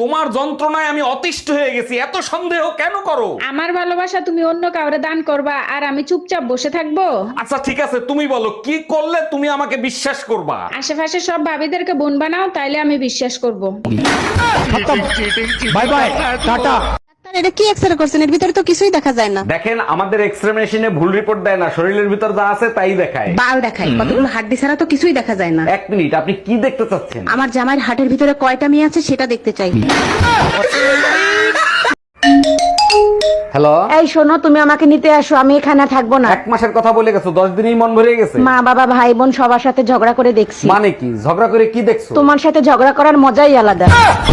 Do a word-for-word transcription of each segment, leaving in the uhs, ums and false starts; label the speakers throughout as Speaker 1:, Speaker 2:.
Speaker 1: তোমার যন্ত্রণায় আমি অতিষ্ঠ হয়ে গেছি, এত সন্দেহ কেন করো?
Speaker 2: আমার ভালোবাসা তুমি অন্য কাউরে দান করবা আর আমি চুপচাপ বসে থাকবো?
Speaker 1: আচ্ছা ঠিক আছে, তুমি বলো কি করলে তুমি আমাকে বিশ্বাস করবা?
Speaker 2: আশেপাশে সব ভাবিদেরকে বোন বানাও, তাইলে আমি বিশ্বাস করব।
Speaker 1: Bye bye, tata.
Speaker 3: এটা কি এক্সরে করছেন? এর ভিতরে তো কিছুই দেখা যায় না।
Speaker 1: দেখেন, আমাদের এক্সরে মেশিনে ভুল রিপোর্ট দেয় না, শরীরের ভিতর যা আছে তাই দেখায়।
Speaker 3: বাল দেখায়, কতগুলো হাড্ডি ছাড়া তো কিছুই দেখা যায় না।
Speaker 1: এক মিনিট, আপনি কি দেখতে চাচ্ছেন?
Speaker 3: আমার জামাইয়ের হাটের ভিতরে কয়টা মেয়ে আছে সেটা দেখতে চাই।
Speaker 1: হ্যালো,
Speaker 3: এই শোনো, তুমি আমাকে নিতে আসো, আমি এখানে থাকবো না।
Speaker 1: এক মাসের কথা বলে গেছো, দশ দিনেই মন ভরে গেছে।
Speaker 3: মা বাবা ভাই বোন সবার সাথে ঝগড়া করে দেখছি।
Speaker 1: মানে কি ঝগড়া করে কি দেখছো?
Speaker 3: তোমার সাথে ঝগড়া করার মজাই আলাদা।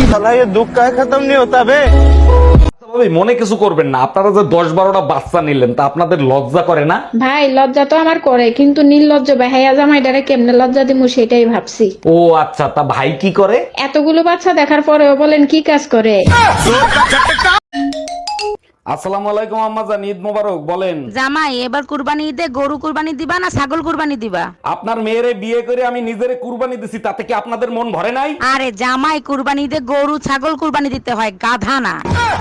Speaker 1: ভাবি, মনে কিছু করবেন না, আপনারা যে দশ বারোটা বাচ্চা নিলেন তা আপনাদের লজ্জা করে না?
Speaker 2: ভাই লজ্জা তো আমার করে, কিন্তু নির্লজ্জ বেহায়া জামাইটারে কেমনে লজ্জা দিমু সেটাই ভাবছি।
Speaker 1: ও আচ্ছা, তা ভাই কি করে?
Speaker 2: এতগুলো বাচ্চা দেখার পরেও বলেন কি কাজ করে?
Speaker 1: আসসালামু আলাইকুম আম্মাজান, ঈদ মোবারক। বলেন
Speaker 3: জামাই, এবার কুরবানি ঈদে গরু কুরবানি দিবা না ছাগল কুরবানি দিবা?
Speaker 1: আপনার মেয়েরে বিয়ে করে আমি নিজেরে কুরবানি দিছি, তাতে কি আপনাদের মন ভরে নাই?
Speaker 3: আরে জামাই, কুরবানি ঈদে গরু ছাগল কুরবানি দিতে হয়, গাধা না।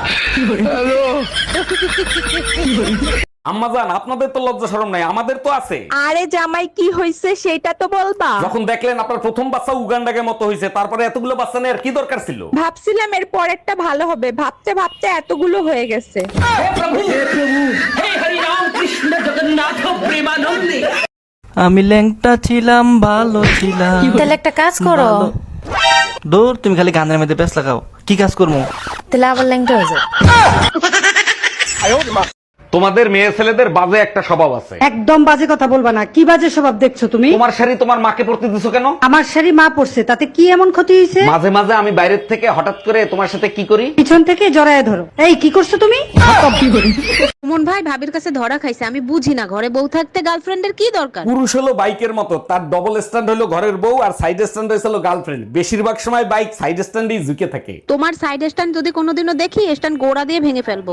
Speaker 1: আম্মাজান, আপনাদের তো লজ্জা শরম নাই, আমাদের তো আছে।
Speaker 3: আরে জামাই, কি হইছে সেটা তো বলবা।
Speaker 1: যখন দেখলেন আপনার প্রথম বাচ্চা উগান্ডাকে মতো হয়েছে, তারপরে এতগুলো বাচ্চা নেওয়ার কি দরকার ছিল?
Speaker 3: ভাবছিলাম এর পরেরটা ভালো হবে, ভাবতে ভাবতে এতগুলো হয়ে গেছে।
Speaker 4: আমি ল্যাংটা ছিলাম, ভালো ছিলাম।
Speaker 5: তাহলে একটা কাজ করো।
Speaker 4: দূর, তুমি খালি গানের মধ্যে ব্যস্ত লাগাও। কি কাজ করবো?
Speaker 5: তাহলে আবার ল্যাংটা হয়ে যাও।
Speaker 1: তোমাদের মেয়ে ছেলেদের বাজে একটা স্বভাব আছে।
Speaker 6: একদম বাজে কথা বলবা না। কি বাজে স্বভাব দেখছো তুমি?
Speaker 1: তোমার শাড়ি তোমার মাকে পরতে দিছো কেন?
Speaker 6: আমার শাড়ি মা পরছে, তাতে কি এমন ক্ষতি হয়েছে?
Speaker 1: মাঝে মাঝে আমি বাইরের থেকে হঠাৎ করে তোমার সাথে কি করি,
Speaker 6: পিছন থেকে জড়ায় ধরো। এই কি করছো তুমি?
Speaker 3: সুমন ভাই ভাবির কাছে ধরা খাইছে, আমি বুঝি না ঘরে বউ থাকতে গার্লফ্রেন্ডের কি দরকার।
Speaker 1: পুরুষ হলো বাইকের মতো, তার ডবল স্ট্যান্ড হলো ঘরের বউ আর সাইড স্ট্যান্ড হয়েছিল গার্লফ্রেন্ড। বেশিরভাগ সময় বাইক সাইড স্ট্যান্ডেই ঝুঁকে থাকে।
Speaker 3: তোমার সাইড স্ট্যান্ড যদি কোনোদিনও দেখি, স্ট্যান্ড গোড়া দিয়ে ভেঙে ফেলবো।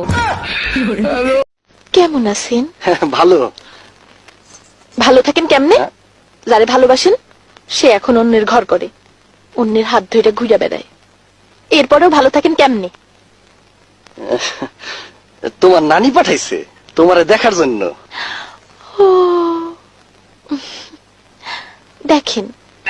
Speaker 5: কেমন আছেন?
Speaker 7: ভালো।
Speaker 5: ভালো থাকেন কেমনে? যারে ভালোবাসেন সে এখন অন্যের ঘর করে, অন্যের হাত ধরে ঘুরে বেড়ায়, এরপরেও ভালো থাকেন কেমনে?
Speaker 7: তোমার নানি পাঠাইছে তোমারে দেখার জন্য।
Speaker 5: ও দেখেন,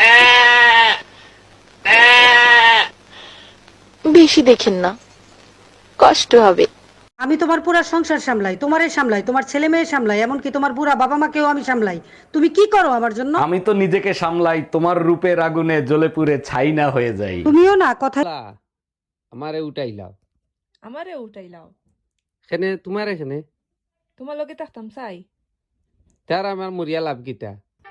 Speaker 5: বেশি দেখেন না, কষ্ট হবে।
Speaker 6: আমি তোমার পুরা সংসার সামলাই, তোমারে সামলাই, তোমার ছেলে মেয়ে সামলাই, এমনকি তোমার বুড়া বাবা মাকেও আমি সামলাই। তুমি কি করো আমার জন্য?
Speaker 1: আমি তো নিজেকে সামলাই, তোমার রূপের আগুনে জ্বলে পুড়ে ছাই না হয়ে যাই।
Speaker 6: তুমিও না কথা।
Speaker 8: আমারে উঠাইলাও,
Speaker 9: আমারে উঠাইলাও,
Speaker 8: এখানে তোমার এখানে
Speaker 9: তোমার লগে থাকতাম চাই।
Speaker 8: তার আমার মরিয়া লাভ গীতা।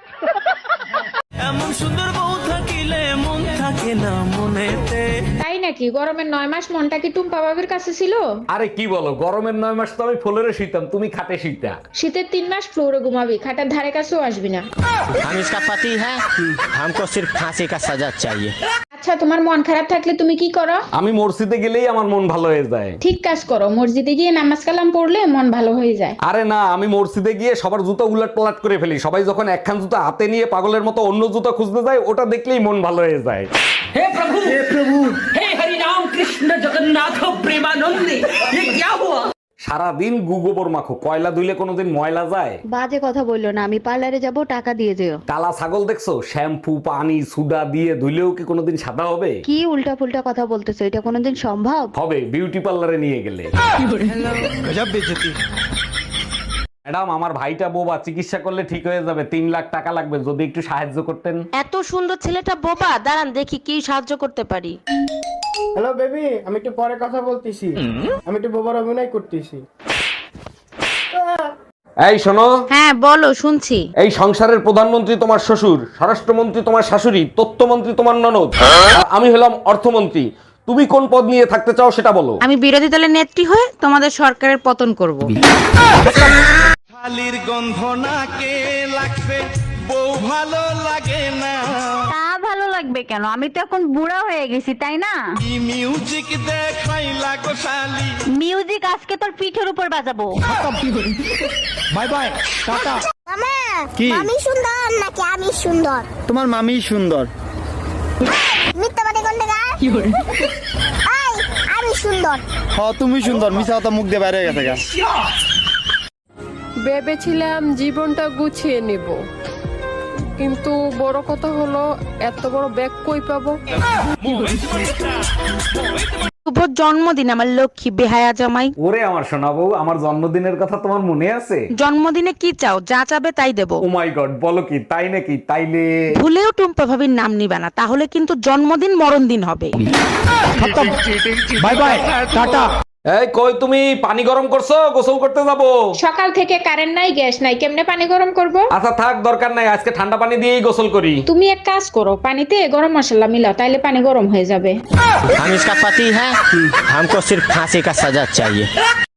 Speaker 4: এমন সুন্দর বউ থাকিলে মন থাকে না মনেতে।
Speaker 2: তাই নাকি? গরমের নয় মাস মনটা কি টুম্পা বাবির কাছে ছিল?
Speaker 1: আরে কি বলো, গরমের নয় মাস তো আমি ফ্লোরে শুইতাম, তুমি খাটে শুইতা।
Speaker 2: শীতের তিন মাস ফ্লোরে ঘুমাবি, খাটার ধারে কাছেও আসবি না।
Speaker 10: हम इसका पति है, हमको सिर्फ फांसी का सजा चाहिए।
Speaker 2: আচ্ছা, তোমার মন খারাপ থাকলে তুমি কি করো?
Speaker 1: আমি মসজিদে গেলেই আমার মন ভালো হয়ে যায়।
Speaker 2: ঠিক কাজ করো, মসজিদে গিয়ে নামাজ কালাম পড়লে মন ভালো হয়ে যায়।
Speaker 1: আরে না, আমি মসজিদে গিয়ে সবার জুতো উলট পালট করে ফেলি। সবাই যখন একখান জুতো হাতে নিয়ে পাগলের মতো অন্য জুতো খুঁজতে যায়, ওটা দেখলেই মন ভালো হয়ে যায়। হে প্রভু, হে প্রভু, হে হরি রাম কৃষ্ণ জগন্নাথ প্রেমানন্দে, ये क्या हुआ? সারাদিন গু গোবর মাখো, কয়লা ধুইলে কোনোদিন ময়লা যায়?
Speaker 3: বাজে কথা বললো না, আমি পার্লারে যাব, টাকা দিয়ে যেও।
Speaker 1: কালা ছাগল দেখছো? শ্যাম্পু পানি সুডা দিয়ে ধুইলেও কি কোনোদিন সাদা হবে?
Speaker 3: কি উল্টা পুল্টা কথা বলতেছো, এটা কোনোদিন সম্ভব?
Speaker 1: হবে, বিউটি পার্লারে নিয়ে গেলে। ম্যাডাম, আমার ভাইটা বোবা, চিকিৎসা করলে ঠিক হয়ে যাবে, তিন লাখ টাকা লাগবে, যদি একটু সাহায্য করতেন।
Speaker 3: এত সুন্দর ছেলেটা বোবা, দাঁড়ান দেখি কি সাহায্য করতে পারি।
Speaker 11: হ্যালো বেবি, আমি একটু পরে কথা বলতেছি, আমি একটু বোবার অভিনয় করতেছি।
Speaker 1: এই শোনো।
Speaker 3: হ্যাঁ বলো, শুনছি।
Speaker 1: এই সংসারের প্রধানমন্ত্রী তোমার শ্বশুর, স্বরাষ্ট্রমন্ত্রী তোমার শাশুড়ি, তথ্যমন্ত্রী তোমার ননদ, আর আমি হলাম অর্থমন্ত্রী। তুমি কোন পদ নিয়ে থাকতে চাও সেটা বলো।
Speaker 3: আমি বিরোধী দলের নেত্রী হয়ে তোমাদের সরকারের পতন করব।
Speaker 4: শালির গন্ধ নাকে লাগছে, বউ ভালো লাগে না।
Speaker 3: তা ভালো লাগবে কেন? আমি তো এখন বুড়া হয়ে গেছি, তাই না?
Speaker 4: কি মিউজিক দেখাই লাগো শালি।
Speaker 3: মিউজিক আজকে তোর পিঠের উপর বাজাবো।
Speaker 11: Bye bye, tata.
Speaker 12: মামা,
Speaker 11: কি?
Speaker 12: মামি সুন্দর নাকি আমি সুন্দর?
Speaker 11: তোমার মামি সুন্দর।
Speaker 12: মিথ্যাবাদী কোন জায়গা? কি করে? এই সুন্দর
Speaker 11: হ্যাঁ তুমি সুন্দর মিছা কথা মুখ দিয়ে বাইরে গেছে গা।
Speaker 9: ভেবেছিলাম জীবনটা গুছিয়ে নিব, কিন্তু বড় কথা হলো এত বড় ব্যাগ কই পাবো।
Speaker 3: শুভ জন্মদিন আমার লক্ষ্মী বেহায়া জামাই।
Speaker 1: ওরে আমার সোনা বউ, আমার জন্মদিনের কথা তোমার মনে আছে?
Speaker 3: জন্মদিনে কি চাও? যা চাবে তাই দেবো।
Speaker 1: ও মাই গড, বলো কি তাই নাকি? তাইলে
Speaker 3: ভুলেও টুম্পা ভাবির নাম নিবা না, তাহলে কিন্তু জন্মদিন মরণ দিন হবে।
Speaker 1: Bye bye, tata. এই কই তুমি, পানি গরম করছো? গোসল করতে যাবো।
Speaker 2: সকাল থেকে কারেন্ট নাই, গ্যাস নাই, কেমনে পানি গরম করব?
Speaker 1: আচ্ছা থাক, দরকার নাই, আজকে ঠান্ডা পানি দিয়েই গোসল করি।
Speaker 2: তুমি এক কাজ করো, পানিতে গরম মশলা মিলাও, তাইলে পানি গরম হয়ে যাবে।
Speaker 10: हम इसका पति है, हमको सिर्फ फांसी का सजा चाहिए।